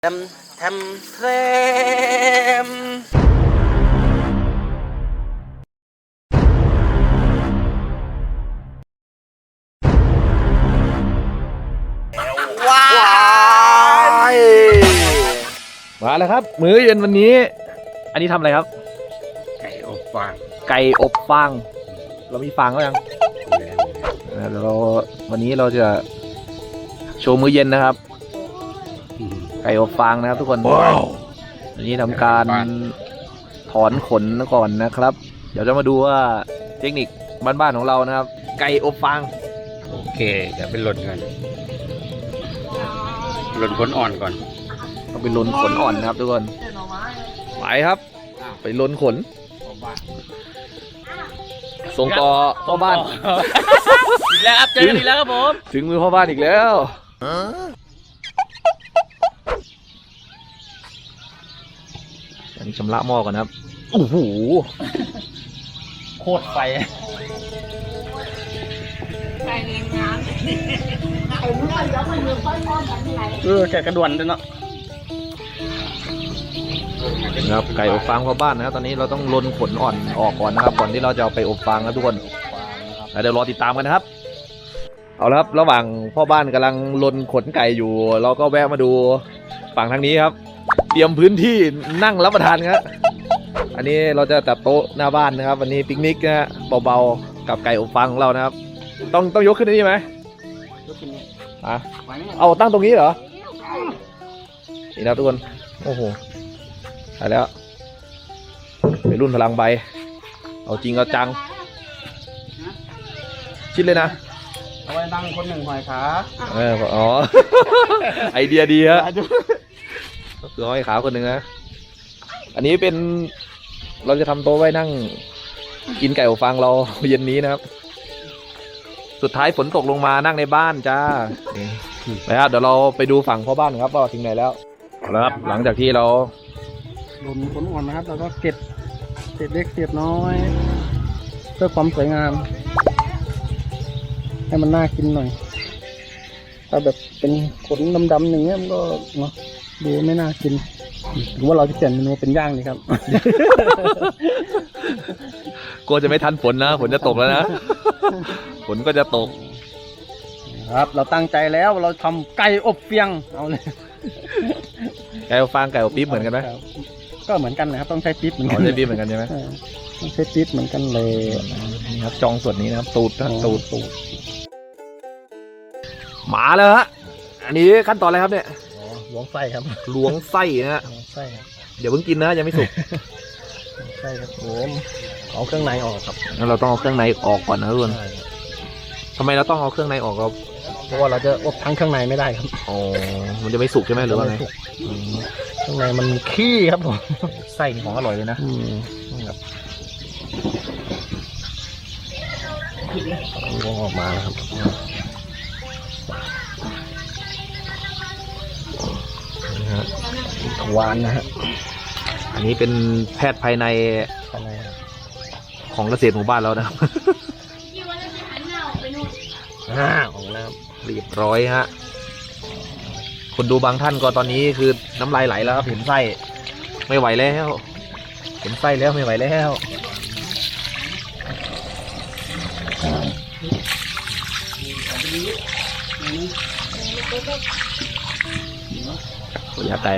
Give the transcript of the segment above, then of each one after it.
ทำเทรมว้ายมาแล้วครับมื้อเย็นวันนี้ อันนี้ทำอะไรครับไก่อบฟางไก่อบฟางเรามีฟางแล้วยังเราวันนี้เราจะโชว์มื้อเย็นนะครับ ไก่อบฟางนะครับทุกคนวันนี้ทำการถอนขนก่อนนะครับ เดี๋ยวจะมาดูว่าเทคนิคบ้านๆของเรานะครับ ไก่อบฟางโอเคเดี๋ยวไปหล่นกันหล่นขนอ่อนก่อนต้องไปลนขนอ่อนนะครับทุกคนไปครับ ไปลนขนส่งต่อพ่อบ้านอีกแล้วครับเจอกันอีกแล้วครับผมถึงมือพ่อบ้านอีกแล้วอันนี้ชำระหม้อก่อนนะครับโอ้โหโคตรไฟแกะกระดวนด้วยเนาะนะครับไก่อบฟางพ่อบ้านนะครับตอนนี้เราต้องลนขนอ่อนออกก่อนนะครับก่อนที่เราจะเอาไปอบฟางนะทุกคนแล้วเดี๋ยวรอติดตามกันนะครับเอาละครับระหว่างพ่อบ้านกำลังลนขนไก่อยู่ เราก็แวะมาดูฝั่งทางนี้ครับ เตรียมพื้นที่นั่งรับประทานครับอันนี้เราจะจัดโต๊ะหน้าบ้านนะครับวันนี้ปิกนิกนะฮะเบาๆกับไก่อบฟางของเรานะครับต้องยกขึ้นนี่ไหมอ่ะเอาตั้งตรงนี้เหรอนี่นะทุกคนโอ้โหถ่ายแล้วไปรุ่นพลังใบเอาจริงเอาจังชิดเลยนะเอาไว้นั่งคนหนึ่งหอยขาอ๋อ ไอเดียดีฮะคือห้อยขาคนหนึ่งนะอันนี้เป็นเราจะทำโต๊ะไว้นั่งกินไก่อบฟางเราเย็นนี้นะครับสุดท้ายฝนตกลงมานั่งในบ้านจ้าไปครับเดี๋ยวเราไปดูฝั่งพ่อบ้านครับว่าถึงไหนแล้วแล้วครับหลังจากที่เราหล่นขนอ่อนนะครับแล้วก็เก็บเศษเล็กเศษน้อยเพื่อความสวยงาม ให้มันน่ากินหน่อยถ้าแบบเป็นขนดำๆอย่างเงี้ยมันก็เนาะดูไม่น่ากินหรือว่าเราจะเปลี่ยนเมนูเป็นย่างดีครับกลัวจะไม่ทันฝนนะฝนจะตกแล้วนะ ฝนก็จะตกครับเราตั้งใจแล้วเราทำไก่อบเฟียงเอาเลยไก่อบฟางไก่อบปี๊บเหมือนกันไหมก็เหมือนกันนะครับต้องใช้ปิ๊บเหมือนอ๋กัอน ใช่ปี๊บเหมือนกันใช่ไหมต้องใช้ปิ๊บเหมือนกันเลยนี่ครับจองส่วนนี้นะครับตูดนะตูดมาแล้วฮะอันนี้ขั้นตอนอะไรครับเนี่ยล้วงไส้ครับล้วงไส้นะฮะล้วงไส้ครับเดี๋ยวเพิ่งกินนะยังไม่สุกล้วงไส้ครับผมเอาเครื่องในออกครับงั้นเราต้องเอาเครื่องในออกก่อนนะทุกคนใช่ครับทำไมเราต้องเอาเครื่องในออกครับเพราะว่าเราจะอบทั้งเครื่องในไม่ได้ครับอ๋อมันจะไม่สุกใช่ไหมหรือว่าไงไม่สุกเครื่องในมันมีขี้ครับผมไส้นี่ของอร่อยเลยนะนี่ครับล้วงออกมาแล้วครับนี่ฮะทวารนะฮะอันนี้เป็นแพทย์ภายในภายในครับของเกษตรหมู่บ้านเรานะครับของน้เรียบร้อยฮะคนดูบางท่านก็ตอนนี้คือน้ำลายไหลแล้วครับเห็นไส้ไม่ไหวแล้วเห็นไส้แล้วไม่ไหวแล้วยัดไก่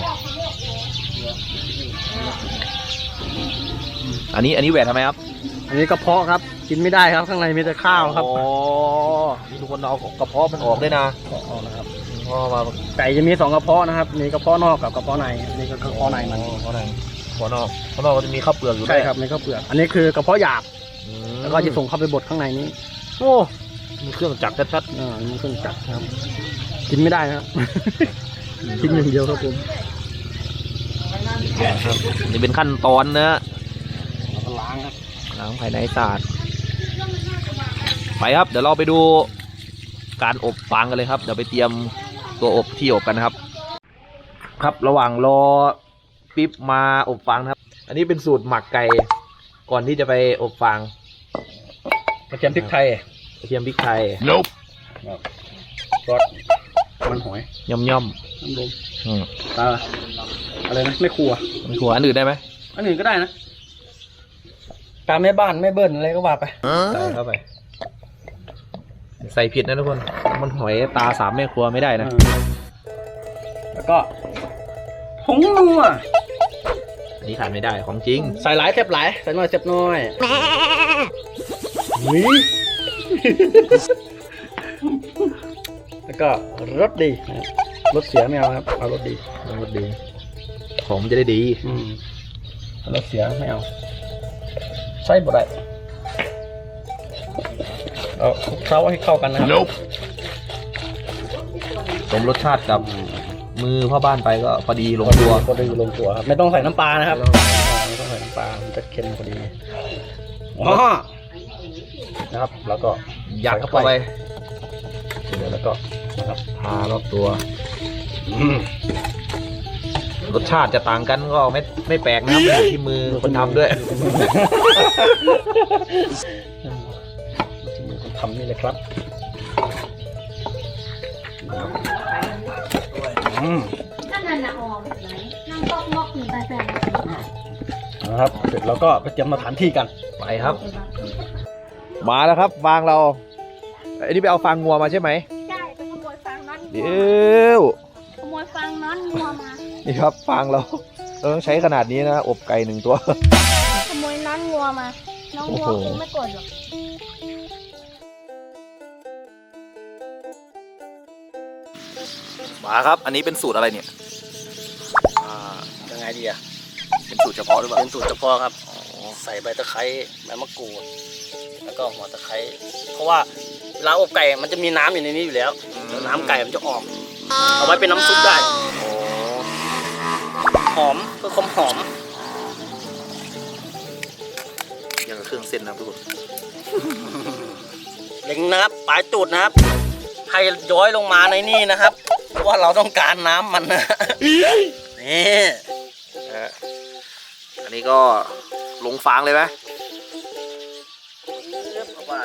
อันนี้แหวนทำไมครับำอันนี้กระเพาะครับกินไม่ได้ครับข้างในมีแต่ข้าวครับอ๋อนี่ทุกคนเอากระเพาะมันออกด้วยนะออกนะครับเพราะว่าไก่จะมี2กระเพาะนะครับมีกระเพาะนอกกับกระเพาะในนี่ก็กระเพาะในมันกระเพาะในกระเพาะนอกก็จะมีข้าวเปลือกอยู่ด้ใช่วยครับนี่ข้าวเปลือกอันนี้คือกระเพาะหยาบอืมแล้วก็จะส่งเข้าไปบดข้างในนี้โอ้มีเครื่องจักรชัดมันเครื่องจักรครับ กินไม่ได้นะครับ กินอย่างเดียวครับผมๆครับนี่เป็นขั้นตอนนะแล้วก็ล้างครับล้างภายในสะอาดไปครับเดี๋ยวเราไปดูการอบฟางกันเลยครับเดี๋ยวไปเตรียมตัวอบที่อบกันนะครับ ครับระหว่างรอปิ๊บมาอบฟางนะครับ อันนี้เป็นสูตรหมักไก่ก่อนที่จะไปอบฟางกระเทียมพริกไทยกระเทียมพริกไทยรสมันหอยย่อมน้ำลมอะไรนะไม่ครัวมันหัวอันอื่นได้ไหมอันอื่นก็ได้นะตามแม่บ้านแม่เบิ้ลอะไรก็ว่าไปใส่เข้าไป ใส่ผิดนะทุกคน มันหอยตา3 แม่ครัวไม่ได้นะแล้วก็ผงนัวอันนี้ขาดไม่ได้ของจริงใส่หลายเจ็บหลายใส่น้อยเจ็บน้อยวิแล้วก็รสดีนะครับรสเสียไม่เอาครับเอารสดีรสดี ของมันจะได้ดีรสเสียไม่เอาใส่บ่ได้เอาคลุกเคล้าให้เข้ากันนะครับสมรสชาติกับมือพ่อบ้านไปก็พอดีลงตัวพอดีลงตัวครับไม่ต้องใส่น้ำปลานะครับไม่ต้องใส่น้ำปลามันจะเค็มพอดีนะครับ แล้วก็ยัดเข้าไปเดี๋ยวแล้วก็นะครับทารอบตัว รสชาติจะต่างกันก็ไม่แปลกนะครับอยู่ที่มือคนทำด้วยที่มือคนทำนี่เลยครับถ้านันนะออมไหนนั่งตอกมอกหนึ่งไปแปดนะครับเสร็จแล้วก็ไปเตรียมสถานที่กันไปครับ มาแล้วครับฟางเราอันนี้ไปเอาฟางงัวมาใช่ไหมใช่ไปขโมยฟางนั้นเดี๋ยวขโมยฟางนั้นงัวมานี่ครับฟางเราต้องใช้ขนาดนี้นะอบไก่1 ตัวขโมยนั้นงัวมา น้องงัวโอ้โหคงไม่โกรธหรอกมาครับ อันนี้เป็นสูตรอะไรเนี่ยยังไงดีอะเป็นสูตรเฉพาะหรือเปล่าเป็นสูตรเฉพาะครับใส่ใบตะไคร้ใบมะกรูดแล้วก็หัวตะไคร้เพราะว่าเวลาอบไก่มันจะมีน้ำอยู่ในนี้อยู่แล้วเดี๋ยวน้ำไก่มันจะออกเอาไว้เป็นน้ำซุปได้หอมเพื่อความหอมอย่างกับเครื่องเส้นนะทุกคนเล็งนะครับปลายตูดนะครับให้ย้อยลงมาในนี่นะครับเพราะว่าเราต้องการน้ำมันนะนี่อันนี้ก็ลงฟางเลยไหมเรียบเข้าไป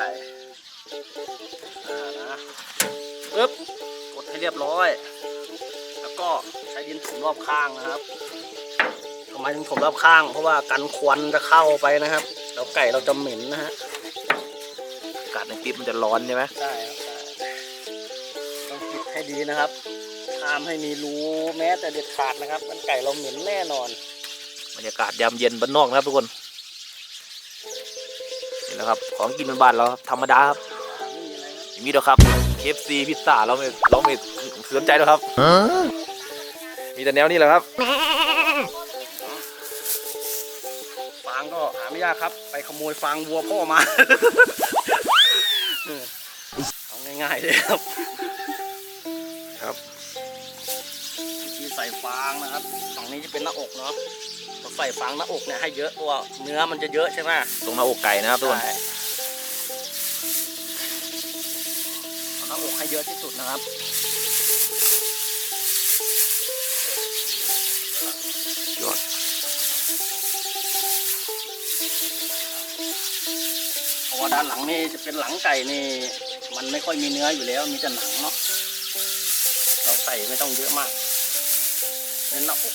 นะปึ๊บกดให้เรียบร้อย แล้วก็ใช้ดินถมรอบข้างนะครับทำไมถึงถมรอบข้าง เพราะว่ากันควันจะเข้าไปนะครับแล้วไก่เราจะเหม็นนะฮะอากาศในปิ๊บมันจะร้อนใช่ไหมใช่ครับต้องปิดให้ดีนะครับห้ามให้มีรูแม้แต่เด็ดขาดนะครับมันไก่เราเหม็นแน่นอนบรรยากาศยามเย็นบ้านนอกนะครับทุกคนนี่แหละครับของกินบ้านๆเราธรรมดาครับอย่างนี้เด้อครับ KFC พิซซ่าเราไม่สนใจหรอกครับมีแต่แนวนี้แหละครับฟางก็หาไม่ยากครับ ไปขโมยฟางวัวพ่อมา เอาง่ายๆเลยครับครับวิธีใส่ฟางนะครับฝั่งนี้จะเป็นหน้าอกเนาะเราใส่ฟางหน้าอกเนี่ยให้เยอะเพราะว่าเนื้อมันจะเยอะใช่ไหมตรงหน้าอกไก่นะครับทุกคนใช่เอาหน้าอกให้เยอะที่สุดนะครับยอดเพราะว่าด้านหลังนี่จะเป็นหลังไก่นี่มันไม่ค่อยมีเนื้ออยู่แล้วมีแต่หนังเนาะเราใส่ไม่ต้องเยอะมากเน้นหน้าอก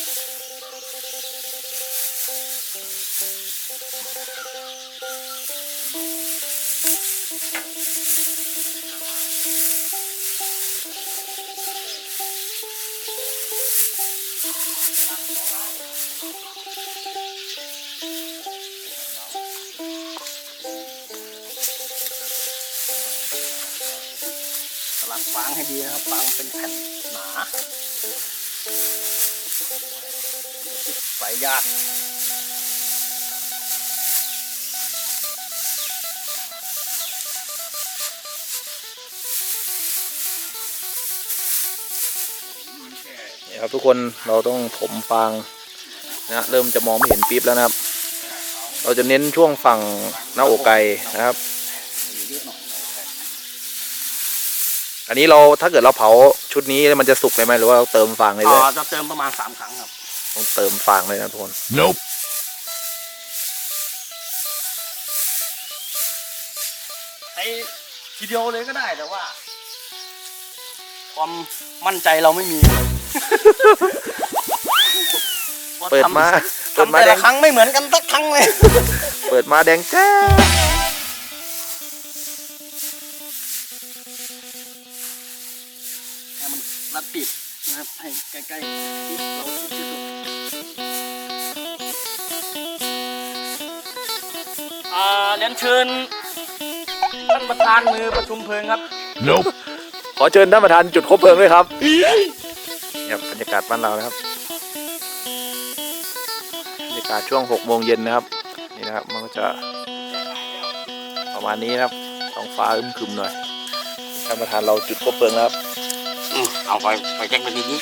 สลัดฟางให้ดีนะครับฟางเป็นแผ่นหนาใส่ยากนี่ครับทุกคนเราต้องถมฟางนะเริ่มจะมองไม่เห็นปี๊บแล้วนะครับ เราจะเน้นช่วงฝั่งหน้าอกไก่นะครับ อันนี้เราถ้าเกิดเราเผาชุดนี้มันจะสุกเลยไหมหรือว่าเราเติมฟางเลยเลยจะเติมประมาณ3 ครั้งครับต้องเติมฟางเลยนะทุกคนใช้ทีเดียวเลยก็ได้แต่ว่า พความมั่นใจเราไม่มีเปิดมาทำแต่ละครั้งไม่เหมือนกันสักครั้งเลยเปิดมาแดงแจ้ให้มันรัดปิดนะครับให้ใกล้ๆที่เราชิดที่สุดเรียนเชิญท่านประธานมือประชุมเพลิงครับ Nope ขอเชิญท่านประธานจุดคบเพลิงด้วยครับเนี่ยบรรยากาศบ้านเรานะครับบรรยากาศช่วง6 โมงเย็นนะครับนี่นะครับมันก็จะประมาณนี้นะครับท้องฟ้าอึมครึมหน่อยท่านประธานเราจุดคบเพลิงแล้วครับเอาไปแจ้งไปทีนี้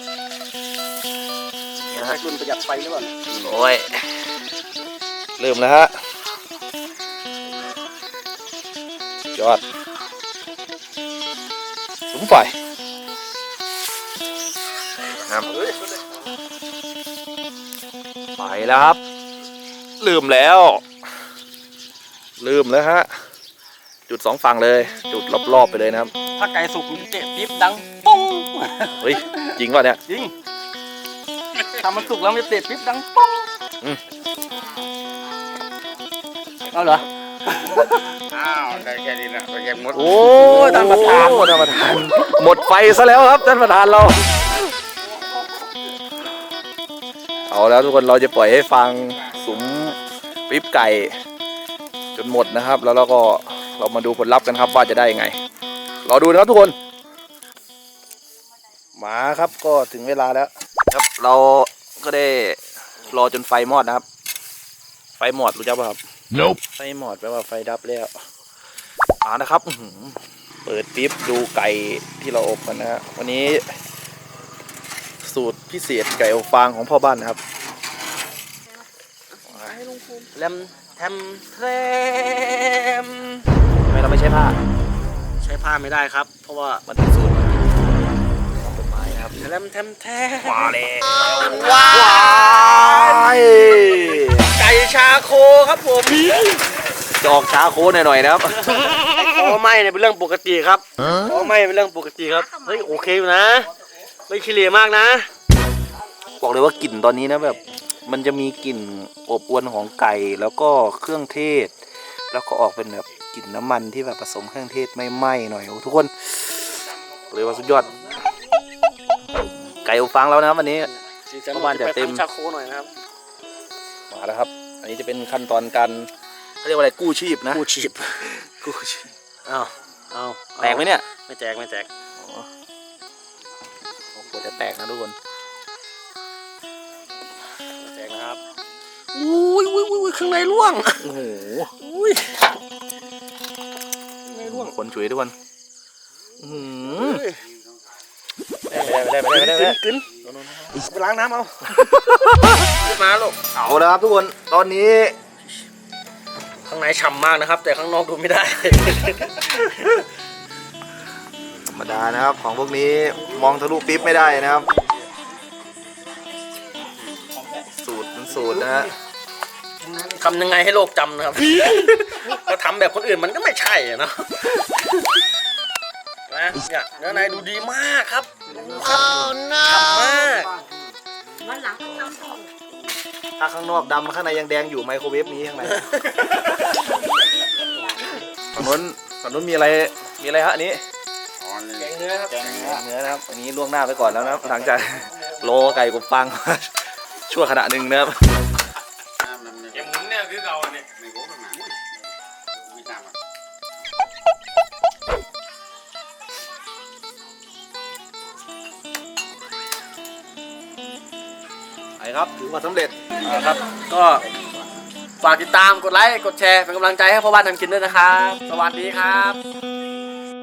ใช้รุ่นประหยัดไฟหรือเปล่าโอ้ยเริ่มแล้วฮะยอดสุมไฟครับไปแล้วครับลืมแล้วฮะจุด2 ฝั่งเลยจุดรอบๆไปเลยนะครับถ้าไก่สุกมันเตะปิ๊บดังปุ้งเฮ้ยจริงป่ะเนี่ยจริงทำมันสุกแล้วมันจะเตะปิ๊บดังปุ้ง เอาเหรออ้าวได้แค่นี้นะไปแค่หมดโอ้ท่านประธานหมดไฟซะแล้วครับท่านประธานเราเอาแล้วทุกคนเราจะปล่อยให้ฟังสุมปิ๊บไก่จนหมดนะครับแล้วเราก็เรามาดูผลลัพธ์กันครับว่าจะได้ยังไงรอดูนะครับทุกคนมาครับก็ถึงเวลาแล้วครับเราก็ได้รอจนไฟมอดนะครับไฟมอดรู้จักป่ะครับ Nope ไฟมอดแปลว่าไฟดับแล้วนะครับเปิดปิ๊บดูไก่ที่เราอบกันนะฮะวันนี้สูตรพิเศษไก่อบฟางของพ่อบ้านนะครับแรมแทมแทมทำไมเราไม่ใช้ผ้าใช้ผ้าไม่ได้ครับ เพราะว่ามันเป็นสูตรของต้นไม้นะครับแรมแทมแทมมาเลยว้าว้ายไก่ชาโคครับผมจะออกช้าโค้ดหน่อยๆนะครับคอไหม้เนี่ยเป็นเรื่องปกติครับคอไหม้เป็นเรื่องปกติครับเฮ้ยโอเคอยู่นะไม่ขี้เหร่มากนะบอกเลยว่ากลิ่นตอนนี้นะแบบมันจะมีกลิ่นอบอวลของไก่แล้วก็เครื่องเทศ แล้วก็ออกเป็นแบบกลิ่นน้ำมันที่แบบผสมเครื่องเทศไม่ไหม้หน่อยโอ้ทุกคนบอกเลยว่าสุดยอดไก่อบฟางแล้วนะครับวันนี้เพราะว่าจะเต็มชาโคหน่อยนะครับมาแล้วครับ อันนี้จะเป็นขั้นตอนการเขาเรียกว่าอะไรกู้ชีพนะกู้ชีพกู้ชีพเอาแตกไหมเนี่ยไม่แตกไม่แตกโอ้โหจะแตกนะทุกคนไม่แตกนะครับอุ้ยข้างในร่วงโอ้โหอุ้ยข้างในร่วงคนฉุยทุกคนอื้อหือเฮ้ยไม่ได้กึนไปล้างน้ำเอามาลูกเอาแล้วครับทุกคนตอนนี้ข้างในฉ่ำมากนะครับ แต่ข้างนอกดูไม่ได้ธรรมดานะครับของพวกนี้มองทะลุปิ๊บไม่ได้นะครับ สูตรนะฮะทำยังไงให้โลกจำนะครับ ก็ทำแบบคนอื่นมันก็ไม่ใช่อะเนาะนะเนี่ยเนื้อในดูดีมากครับดูครับฉ่ำมากวันหลังต้องทำต่อถ้าข้างนอกดำข้างในยังแดงอยู่ไมโครเวฟนี้ข้างในฝั่งนู้นมีอะไรฮะอันนี้แกงเนื้อครับแกงเนื้อนะครับอันนี้ล่วงหน้าไปก่อนแล้วนะครับหลังจากโลไก่กับฟัง ชั่วขณะหนึ่งนะครับแกหมุนเนี่ยคือเราเนี่ยไม่รู้ขนาดวิจารณ์มันไปครับถือว่าสำเร็จครับ ก็ฝากติดตามกดไลค์กดแชร์เป็นกำลังใจให้พ่อบ้านทำกินด้วยนะครับ สวัสดีครับ